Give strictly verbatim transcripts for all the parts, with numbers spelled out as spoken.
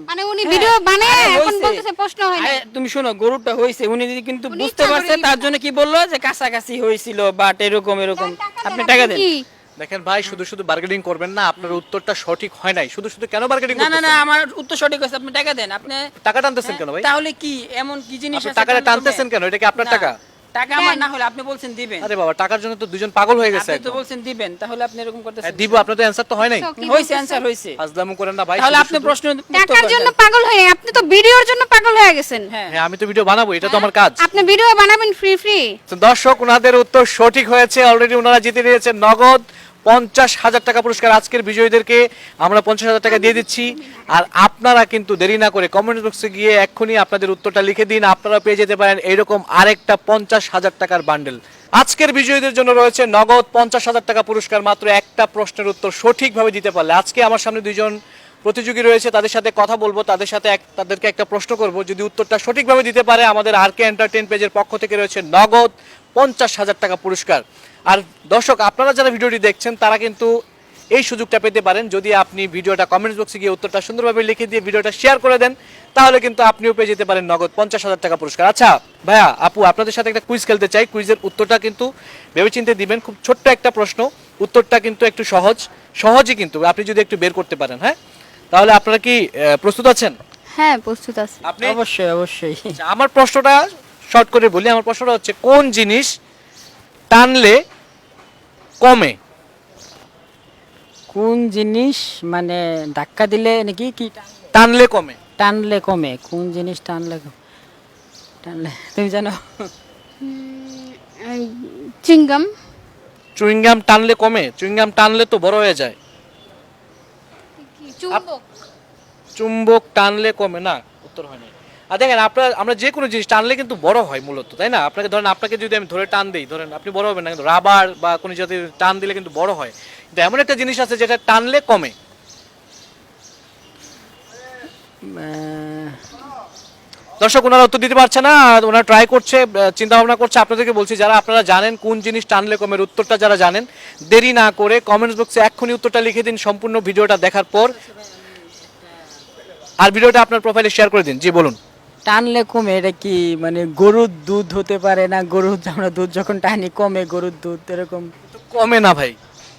মানে উনি ভিডিও বানায় এখন বলতেছে প্রশ্ন হয় না। তুমি শোনো, গরুটা হইছে উনি যদি কিন্তু বুঝতে পারছে তার জন্য কি বললো যে কাছাকাছি হয়েছিল বাট এরকম এরকম। আপনি টাকা দেন। দেখেন ভাই, শুধু শুধু বার্গেনিং করবেন না, আপনার উত্তরটা সঠিক হয় নাই। শুধু শুধু কেন বার্গেনিং না না করতেছেন? না, আমার উত্তর সঠিক হয়েছে, আপনি টাকা দেন। আপনি টাকা টানতেছেন কেন ভাই? তাহলে কি এমন কি জিনিস আপনি আছে টাকাটা টানতেছেন কেন? এটা কি আপনার না, টাকা? টাকা আমার না হলে আপনি বলছেন দিবেন। আরে বাবা, টাকার জন্য তো দুজন পাগল হয়ে গেছে আপনি তো একদম। বলছেন দিবেন, তাহলে আপনি এরকম করতেছেন। হ্যাঁ, দিব। আপনার তো অ্যানসার তো হয় নাই। হইছে, অ্যানসার হইছে। ফাজলামু করেন না ভাই। তাহলে শুধু আপনি শুধু- প্রশ্ন টাকার জন্য পাগল হয়ে আপনি তো ভিডিওর জন্য পাগল হয়ে গেছেন। হ্যাঁ হ্যাঁ, আমি তো ভিডিও বানাবো, এটা তো আমার কাজ। আপনি ভিডিও বানাবেন ফ্রি ফ্রি। তো দর্শক, ওনাদের উত্তর সঠিক হয়েছে। অলরেডি ওনারা জিতে নিয়েছেন নগদ পঞ্চাশ হাজার টাকা পুরস্কার। আজকের বিজয়ীদেরকে আমরা পঞ্চাশ হাজার টাকা দিয়ে দিচ্ছি। আর আপনারা কিন্তু দেরি না করে কমেন্ট বক্সে গিয়ে এক্ষুনি আপনাদের উত্তরটা লিখে দিন, আপনারা পেয়ে যেতে পারেন এইরকম আরেকটা পঞ্চাশ হাজার টাকার বান্ডেল। আজকের বিজয়ীদের জন্য রয়েছে নগদ পঞ্চাশ হাজার টাকা পুরস্কার মাত্র একটা প্রশ্নের উত্তর সঠিকভাবে দিতে পারলে। আজকে আমার সামনে দুইজন প্রতিযোগী রয়েছে, তাদের সাথে কথা বলবো, তাদের সাথে এক তাদেরকে একটা প্রশ্ন করব। যদি উত্তরটা সঠিকভাবে দিতে পারে, আমাদের আর কে এন্টারটেইন পেজের পক্ষ থেকে রয়েছে নগদ পঞ্চাশ হাজার টাকা পুরস্কার। আর দর্শক, আপনারা যারা ভিডিওটি দেখছেন তারা কিন্তু এই সুযোগটা পেতে পারেন যদি আপনি ভিডিওটা কমেন্টস বক্সে গিয়ে উত্তরটা সুন্দরভাবে লিখে দিয়ে ভিডিওটা শেয়ার করে দেন, তাহলে কিন্তু আপনিও পেয়ে যেতে পারেন নগদ পঞ্চাশ হাজার টাকা পুরস্কার। আচ্ছা ভাইয়া, আপু, আপনাদের সাথে একটা কুইজ খেলতে চাই। কুইজের উত্তরটা কিন্তু ভেবেচিন্তে দিবেন। খুব ছোট্ট একটা প্রশ্ন, উত্তরটা কিন্তু একটু সহজ সহজই, কিন্তু আপনি যদি একটু বের করতে পারেন। হ্যাঁ, তাহলে আপনারা কি আহ, প্রস্তুত আছেন? হ্যাঁ, প্রস্তুত আছি। আপনি? অবশ্যই অবশ্যই। আচ্ছা, আমার প্রশ্নটা শর্ট করে বলি। আমার প্রশ্নটা হচ্ছে, কোন জিনিস টানলে কমে? কোন জিনিস মানে ধাক্কা দিলে নাকি কি টানলে কমে। টানলে কমে? কোন জিনিস টানলে কমে? টানলে তুমি জানো? চিংগাম। চুইংগাম টানলে কমে? চুইংগাম টানলে তো বড় হয়ে যায়। চুম্বক। চুম্বক টানলে কমে না, উত্তর হয় না। আর দেখেন, আপনার আমরা যে কোনো জিনিস টানলে কিন্তু বড় হয় মূলত, তাই না? আপনাকে ধরেন, আপনাকে যদি আমি ধরে টান দিই, ধরেন আপনি বড় হবেন না, কিন্তু রাবার বা কোনো জাতীয় টান দিলে কিন্তু বড় হয়। কিন্তু এমন একটা জিনিস আছে যেটা টানলে কমে। আহ, দর্শক, ওনারা উত্তর দিতে পারছে না, আর ওনারা ট্রাই করছে, চিন্তা ভাবনা করছে। আপনাদেরকে বলছি, যারা আপনারা জানেন কোন জিনিস টানলে কমের উত্তরটা যারা জানেন, দেরি না করে কমেন্টস বক্সে এক্ষুনি উত্তরটা লিখে দিন সম্পূর্ণ ভিডিওটা দেখার পর। আর ভিডিওটা আপনার প্রোফাইলে শেয়ার করে দিন। জি বলুন। টানলে কমে এটা কি মানে গরুর দুধ হতে পারে না? গরুর আমরা দুধ যখন টানি কমে গরুর দুধ এরকম। তো কমে না ভাই।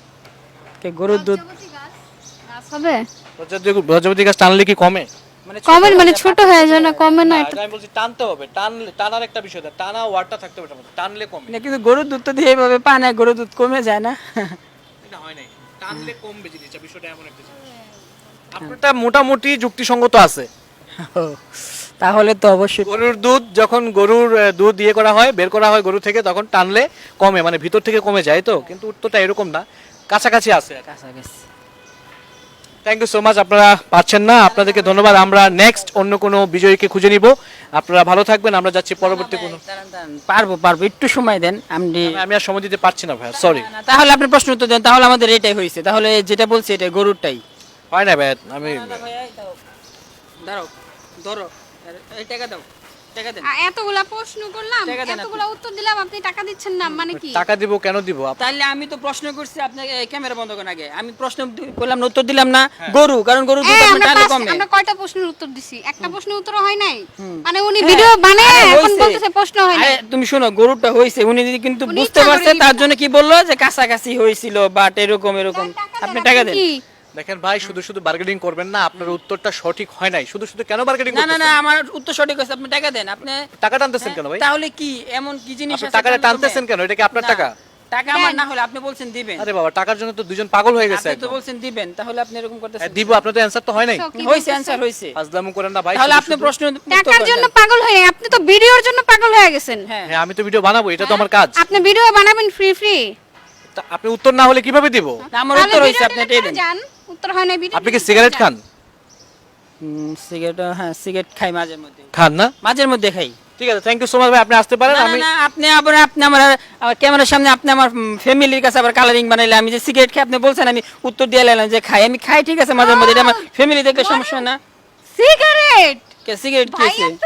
কে গরুর দুধ গাছ হবে? প্রজাপতি গাছ টানলে কি কমে? মানে কমের মানে ছোট হয়ে যায় না, কমে না। না, এটা আমি বলছি টানতে হবে। টানলে, টানার একটা বিষয় আছে, টানা ওয়ার্ডটা থাকতে হবে এটার মধ্যে। টানলে কমে না, কিন্তু গরুর দুধ তো দিয়ে এইভাবে পানে গরুর দুধ কমে যায় না? এটা হয় নাই। টানলে কমবে জিনিসটা, বিষয়টা এমন একটা জিনিস। আপনারটা মোটামুটি যুক্তিসঙ্গত আছে। ও, তাহলে তো অবশ্যই গরুর দুধ যখন গরুর আহ, দুধ ইয়ে করা হয়, বের করা হয় গরু থেকে, তখন টানলে কমে, মানে ভিতর থেকে কমে যায়। তো কিন্তু উত্তরটা এরকম না, কাছাকাছি আছে। কাছাকাছি। Thank you so much. আপনারা পাচ্ছেন না, আপনাদেরকে ধন্যবাদ। আমরা নেক্সট অন্য কোনো বিজয়ীকে খুঁজে নিব। আপনারা ভালো থাকবেন। আমরা যাচ্ছি পরবর্তী কোনো। দাঁড়ান, দাঁড়ান, পারবো পারবো, একটু সময় দেন। আমি আমি আর সময় দিতে পারছি না ভাই, সরি। না, তাহলে আপনি প্রশ্ন উত্তর দেন, তাহলে আমাদের এটাই হয়েছে। তাহলে যেটা বলছি এটা গরুরটাই। হয় না ভাই, আমি দাঁড়াও, ধরো, এই টাকা দাও, টাকা দেন। আ, এতগুলা প্রশ্ন করলাম, টাকা দেন আপনি। এতগুলা উত্তর দিলাম, আপনি টাকা দিচ্ছেন না মানে কি? টাকা দিব কেন দিব? আপ- তাহলে আমি তো প্রশ্ন করছি, আপনাকে ক্যামেরা বন্ধ করেন আগে। আমি প্রশ্ন দি- করলাম না, উত্তর দিলাম না গরু, কারণ গরু দুধ এই, আপনি আমরা টানলে পাঁচ- কমে। আমরা কয়টা প্রশ্নের উত্তর দিছি? একটা প্রশ্নের উত্তর হয় নাই। মানে উনি ভিডিও হ্যাঁ, বানায় আরে এখন হইছে। বলতেছে প্রশ্ন হয় নাই। আরে তুমি শোনো, গরুটা হইছে উনি যদি কিন্তু উনি বুঝতে ইচ্ছা করে পারছে লিখে তার জন্য কি বললো যে কাছাকাছি হয়েছিল বাট এরকম এরকম। আপনি টাকা দেন। কি? দেখেন ভাই, শুধু শুধু বার্গেনিং করবেন না, আপনার উত্তরটা সঠিক হয় নাই। শুধু শুধু কেন বার্গেনিং না না করতেছেন? না, আমার উত্তর সঠিক হয়েছে, আপনি টাকা দেন। আপনি টাকা টানতেছেন কেন ভাই? তাহলে কি এমন কি জিনিস আপনি আছে টাকাটা টানলে টানতেছেন কমে? কেন? এটা কি আপনার না, টাকা? টাকা আমার না হলে আপনি বলছেন দিবেন। আরে বাবা, টাকার জন্য তো দুজন পাগল হয়ে গেছে আপনি তো একদম। বলছেন দিবেন, তাহলে আপনি এরকম করতেছেন। হ্যাঁ, দিব। আপনার তো অ্যানসার তো হয় নাই। কি হইছে, বলতেছে? অ্যানসার হইছে। ফাজলামু করেন না ভাই। তাহলে শুধু আপনি শুধু- প্রশ্ন উত্তর টাকার করেন। জন্য পাগল হয়ে আপনি তো ভিডিওর জন্য পাগল হয়ে গেছেন। হ্যাঁ, হ্যাঁ, আমি তো ভিডিও বানাবো, এটা তো আমার কাজ। আপনি ভিডিও বানাবেন ফ্রি ফ্রি। তা আপনি উত্তর না হলে কিভাবে দিব? না, আমার তাহলে উত্তর হইছে, ভিডিও আপনি delete এটাই করে দেন। যান। উত্তর হয় নাই ভিডিও। আপনি কি সিগারেট খান? হুম, সিগারেট, হ্যাঁ সিগারেট খাই মাঝে মধ্যে, খান না? মাঝের মধ্যে খাই। ঠিক আছে, থ্যাংক ইউ সো মাচ ভাই। আপনি আসতে পারেন। না, না, আমি না, আপনি আবার আপনি আমার আমার ক্যামেরার সামনে আপনি আমার ফ্যামিলির কাছে আবার কালারিং বানাইলে আমি যে সিগারেট খাই আপনি বলছেন, আমি উত্তর দিয়ে এলাম যে খাই। আমি খাই, ঠিক আছে, মাঝে মধ্যে, এটা আমার ফ্যামিলি দেখলে সমস্যা না। সিগারেট কে সিগারেট ভাই খেয়েছে? এত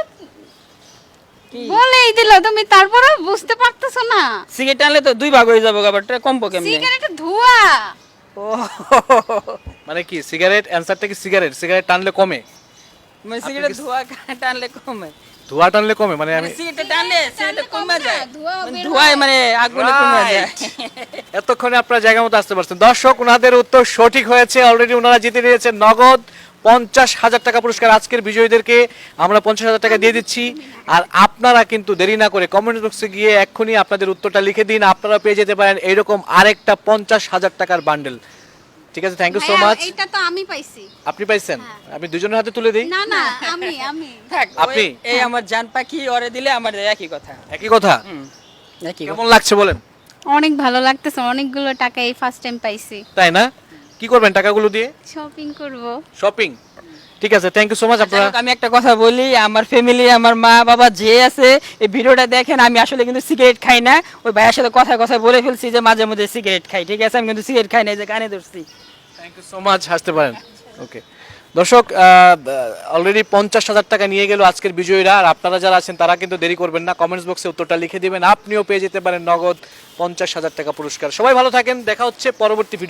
বলেই দিল তুমি, তারপরে বুঝতে পারতেছো না? সিগারেট আনলে তো দুই ভাগ হয়ে যাবে, আবারটা কমবো কেমনে? সিগারেটের ধোঁয়া। ও, মানে কি সিগারেট? অ্যানসারটা কি সিগারেট? সিগারেট টানলে কমে? মানে সিগারেট ধোঁয়া টানলে কমে, ধোঁয়া টানলে কমে মানে আমি সিগারেট টানলে সিগারেট কমে যায়, ধোঁয়া মানে বের ধোঁয়ায় মানে আগুনে কমে যায়। এতক্ষণে আপনারা জায়গা মতো আসতে পারছেন। দর্শক, ওনাদের উত্তর সঠিক হয়েছে, অলরেডি ওনারা জিতে নিয়েছেন নগদ পঞ্চাশ হাজার টাকা পুরস্কার। আজকের বিজয়ীদেরকে আমরা পঞ্চাশ হাজার টাকা দিয়ে দিচ্ছি। আর আপনারা কিন্তু দেরি না করে কমেন্ট বক্সে গিয়ে এক্ষুনি আপনাদের উত্তরটা লিখে দিন, আপনারা পেয়ে যেতে পারেন এইরকম আরেকটা পঞ্চাশ হাজার টাকার বান্ডেল। ঠিক আছে, থ্যাংক ইউ সো ভাইয়া, মাচ। এইটা তো আমি পাইছি। আপনি পাইছেন? আমি দুজনের হাতে তুলে দিই। না না আমি আমি থাক, আপনি? ওই- এই আমার জান পাখি ওরে দিলে আমার একই কথা। একই কথা। হুম, একই কথা। কেমন লাগছে বলেন? অনেক ভালো লাগতেছে, অনেকগুলো টাকা এই ফার্স্ট টাইম পাইছি। তাই না? কি করবেন টাকাগুলো দিয়ে? শপিং করব। শপিং। ঠিক আছে, থ্যাংক ইউ সো মাচ। যাই আপনারা হোক, আমি একটা কথা বলি, আমার ফ্যামিলি, আমার মা বাবা যে আছে এই ভিডিওটা দেখেন, আমি আসলে কিন্তু সিগারেট খাই না। ওই ভাইয়ের সাথে কথা কথা বলে ফেলছি যে মাঝে মধ্যে সিগারেট খাই, ঠিক আছে? আমি কিন্তু সিগারেট খাই না, এই যে কানে ধরছি। থ্যাংক ইউ সো মাচ, হাসতে পারেন। ওকে দর্শক, অলরেডি পঞ্চাশ হাজার টাকা নিয়ে গেল আজকের বিজয়ীরা। আর আপনারা যারা আছেন তারা কিন্তু দেরি করবেন না, কমেন্টস বক্সে উত্তরটা লিখে দিবেন, আপনিও পেয়ে যেতে পারেন নগদ পঞ্চাশ হাজার টাকা পুরস্কার। সবাই ভালো থাকেন, দেখা হচ্ছে পরবর্তী ভিডিও।